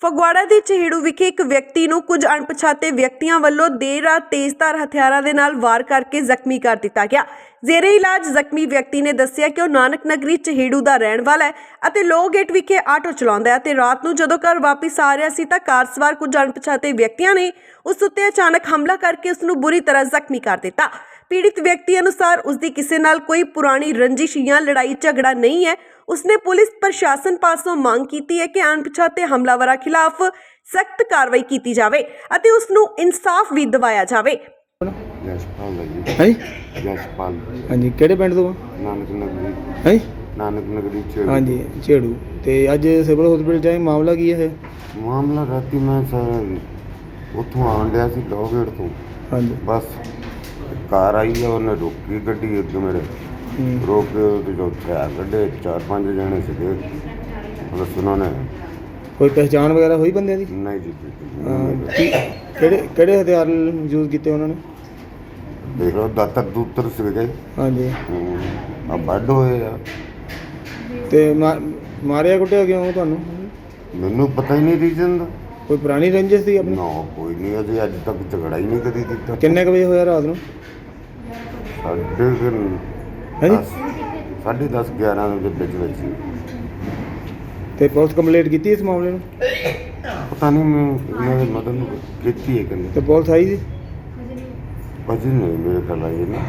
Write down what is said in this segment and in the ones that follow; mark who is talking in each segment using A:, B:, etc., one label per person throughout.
A: ਫਗਵਾੜਾ ਦੇ ਚਹੇੜੂ ਵਿਖੇ ਇੱਕ ਵਿਅਕਤੀ ਨੂੰ ਕੁਝ ਅਣਪਛਾਤੇ ਵਿਅਕਤੀਆਂ ਵੱਲੋਂ ਦੇਰ ਰਾਤ ਤੇਜ਼ਧਾਰ ਹਥਿਆਰਾਂ ਦੇ ਨਾਲ ਵਾਰ ਕਰਕੇ ਜ਼ਖਮੀ ਕਰ ਦਿੱਤਾ ਗਿਆ। ਜ਼ੇਰੇ ਇਲਾਜ ਜ਼ਖਮੀ ਵਿਅਕਤੀ ਨੇ ਦੱਸਿਆ ਕਿ ਉਹ ਨਾਨਕ ਨਗਰੀ ਚਹੇੜੂ ਦਾ ਰਹਿਣ ਵਾਲਾ ਹੈ ਅਤੇ ਲੋਅ ਗੇਟ ਵਿਖੇ ਆਟੋ ਚਲਾਉਂਦਾ ਹੈ ਤੇ ਰਾਤ ਨੂੰ ਜਦੋਂ ਘਰ ਵਾਪਸ ਆ ਰਿਹਾ ਸੀ ਤਾਂ ਕਾਰ ਸਵਾਰ ਕੁਝ ਅਣਪਛਾਤੇ ਵਿਅਕਤੀਆਂ ਨੇ ਉਸ ਉੱਤੇ ਅਚਾਨਕ ਹਮਲਾ ਕਰਕੇ ਉਸ ਨੂੰ ਬੁਰੀ ਤਰ੍ਹਾਂ ਜ਼ਖਮੀ ਕਰ ਦਿੱਤਾ। पीड़ित व्यक्ति अनुसार उसकी किसी नाल कोई पुरानी रंजिश या लड़ाई झगड़ा नहीं है। उसने पुलिस प्रशासन पासों मांग की है कि अणपछाते हमलावरां खिलाफ सख्त कार्रवाई की जाए अते उसनूं इंसाफ भी दिवाया जाए।
B: ਜਸਪਾਲ ਹੈ ਜੀ।
C: है
B: ਜਸਪਾਲ
C: हाँ जी ਕਿਹੜੇ ਪਿੰਡ ਤੋਂ
B: ਨਾਨਕ ਨਗਰੀ
C: ਹੈ
B: ਨਾਨਕ ਨਗਰੀ ਚ
C: हाँ जी ਝੇੜੂ ਤੇ ਅੱਜ ਸਿਵਲ ਹਸਪੀਟਲ ਜਾਏ ਮਾਮਲਾ ਕੀ ਹੈ
B: ਮਾਮਲਾ ਰਾਤੀ ਮੈਂ ਸਰ ਉੱਥੋਂ ਆਉਣ ਡਿਆ ਸੀ ਲੋਗੇਟ ਤੋਂ
C: हाँ जी
B: ਬਸ ਕਾਰ ਆਈ ਆ ਉਹਨੇ ਰੋਕੀ ਗੱਡੀ ਅੱਗੇ ਮੇਰੇ ਰੋਕ ਕੇ ਤੇ ਜੋ ਹਥਿਆਰ ਕੱਢੇ 4-5 ਜਣੇ ਸੀਗੇ ਬਸ ਉਹਨਾਂ ਨੇ
C: ਕੋਈ ਪਹਿਚਾਣ ਵਗੈਰਾ ਹੋਈ ਬੰਦਿਆਂ ਦੀ
B: ਨਹੀਂ ਜੀ
C: ਕਿਹੜੇ ਹਥਿਆਰ ਯੂਜ਼ ਕੀਤੇ ਉਹਨਾਂ ਨੇ
B: ਦੇਖ ਲਓ ਦਾਤਰ ਦੂਤਰ ਸੀਗੇ
C: हाँ जी
B: ਆ ਵੱਢ ਹੋਏ ਆ
C: ਤੇ ਮਾਰਿਆ ਕੁੱਟਿਆ ਕਿਉਂ ਤੁਹਾਨੂੰ
B: ਮੈਨੂੰ ਪਤਾ ਹੀ ਨਹੀਂ ਰੀਜ਼ਨ ਦਾ
C: ਕੋਈ ਪੁਰਾਣੀ ਰੰਜਿਸ਼ ਸੀ ਆਪਣੀ
B: ਨਾ ਕੋਈ ਨਹੀਂ ਅਜੇ ਅੱਜ ਤੱਕ ਝਗੜਾ ਹੀ ਨਹੀਂ ਕਦੀ ਕੀਤਾ
C: ਕਿੰਨੇ ਕੁ ਵਜੇ ਹੋਇਆ ਰਾਤ ਨੂੰ
B: ਸਾਢੇ
C: ਹੈ ਜੀ
B: 10:30-11 ਦੇ ਵਿੱਚ
C: ਤੇ ਪੁਲਿਸ ਕੰਪਲੇਂਟ ਕੀਤੀ ਇਸ ਮਾਮਲੇ ਨੂੰ
B: ਪਤਾ ਨਹੀਂ ਮੈਂ ਇਹਨਾਂ ਦੇ ਮਦਦ ਨੂੰ ਕੀਤੀ ਹੈ ਕਿ
C: ਤੇ ਪੁਲਿਸ ਆਈ ਸੀ
B: ਅਜੇ ਨਹੀਂ ਮੇਰੇ ਖਿਆਲ ਆਈ ਨਾ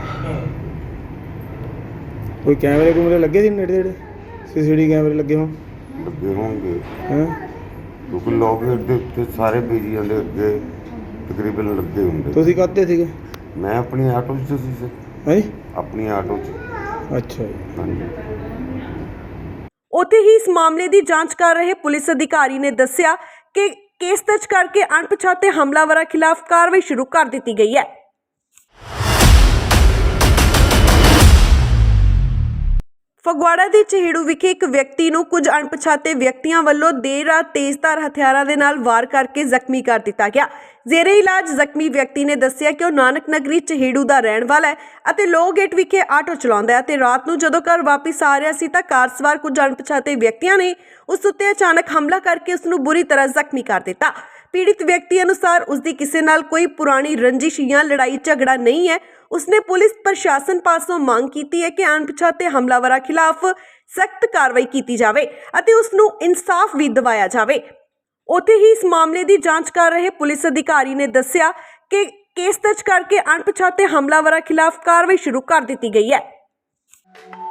C: ਕੋਈ ਕੈਮਰੇ ਲੱਗੇ ਸੀ ਨੇੜੇ ਨੇੜੇ ਸੀਸੀਟੀਵੀ ਕੈਮਰੇ ਲੱਗੇ ਹੋਣ
B: ਲੱਗੇ ਹੋਣਗੇ
C: ਹੈਂ
B: ਕਿਉਂਕਿ ਲੋਕ ਦੇ ਉੱਤੇ ਸਾਰੇ ਬੀਜੀਆਂ ਦੇ ਅੱਗੇ ਤਕਰੀਬਨ ਲੱਗੇ ਹੁੰਦੇ
C: ਤੁਸੀਂ ਕਾਹਤੇ ਸੀਗੇ
B: ਮੈਂ ਆਪਣੀ ਆਟੋ 'ਚ ਸੀ ਸਰ
C: ਹੈ ਜੀ
B: ਆਪਣੀ ਆਟੋ 'ਚ
C: ਅੱਛਾ ਜੀ
B: ਹਾਂਜੀ।
A: ਉੱਥੇ ਹੀ ਇਸ ਮਾਮਲੇ ਦੀ ਜਾਂਚ ਕਰ ਰਹੇ ਪੁਲਿਸ ਅਧਿਕਾਰੀ ਨੇ ਦੱਸਿਆ ਕਿ ਕੇਸ ਦਰਜ ਕਰਕੇ ਅਣਪਛਾਤੇ ਹਮਲਾਵਰਾਂ ਖਿਲਾਫ ਕਾਰਵਾਈ ਸ਼ੁਰੂ ਕਰ ਦਿੱਤੀ ਗਈ ਹੈ। ਫਗਵਾੜਾ ਦੇ ਚਹੇੜੂ ਵਿਖੇ ਇੱਕ ਵਿਅਕਤੀ ਨੂੰ ਕੁਝ ਅਣਪਛਾਤੇ ਵਿਅਕਤੀਆਂ ਵੱਲੋਂ ਦੇਰ ਰਾਤ ਤੇਜ਼ਧਾਰ ਹਥਿਆਰਾਂ ਦੇ ਨਾਲ ਵਾਰ ਕਰਕੇ ਜ਼ਖਮੀ ਕਰ ਦਿੱਤਾ ਗਿਆ। ਜ਼ੇਰੇ ਇਲਾਜ ਜ਼ਖਮੀ ਵਿਅਕਤੀ ਨੇ ਦੱਸਿਆ ਕਿ ਉਹ ਨਾਨਕ ਨਗਰੀ ਚਹੇੜੂ ਦਾ ਰਹਿਣ ਵਾਲਾ ਹੈ ਅਤੇ ਲੋਅ ਗੇਟ ਵਿਖੇ ਆਟੋ ਚਲਾਉਂਦਾ ਹੈ ਤੇ ਰਾਤ ਨੂੰ ਜਦੋਂ ਘਰ ਵਾਪਸ ਆ ਰਿਹਾ ਸੀ ਤਾਂ ਕਾਰ ਸਵਾਰ ਕੁਝ ਅਣਪਛਾਤੇ ਵਿਅਕਤੀਆਂ ਨੇ ਉਸ ਉੱਤੇ ਅਚਾਨਕ ਹਮਲਾ ਕਰਕੇ ਉਸ ਨੂੰ ਬੁਰੀ ਤਰ੍ਹਾਂ ਜ਼ਖਮੀ ਕਰ ਦਿੱਤਾ। पीड़ित व्यक्ति अनुसार उसकी किसी नाल कोई पुरानी रंजिश या लड़ाई झगड़ा नहीं है। उसने पुलिस प्रशासन पासों मांग की है कि अणपछाते हमलावरां खिलाफ सख्त कार्रवाई की जाए अते उसनूं इंसाफ भी दिवाया जाए। उत्थे ही इस मामले की जांच कर रहे पुलिस अधिकारी ने दस्सिया कि केस दर्ज करके अणपछाते हमलावरां खिलाफ कार्रवाई शुरू कर दी गई है।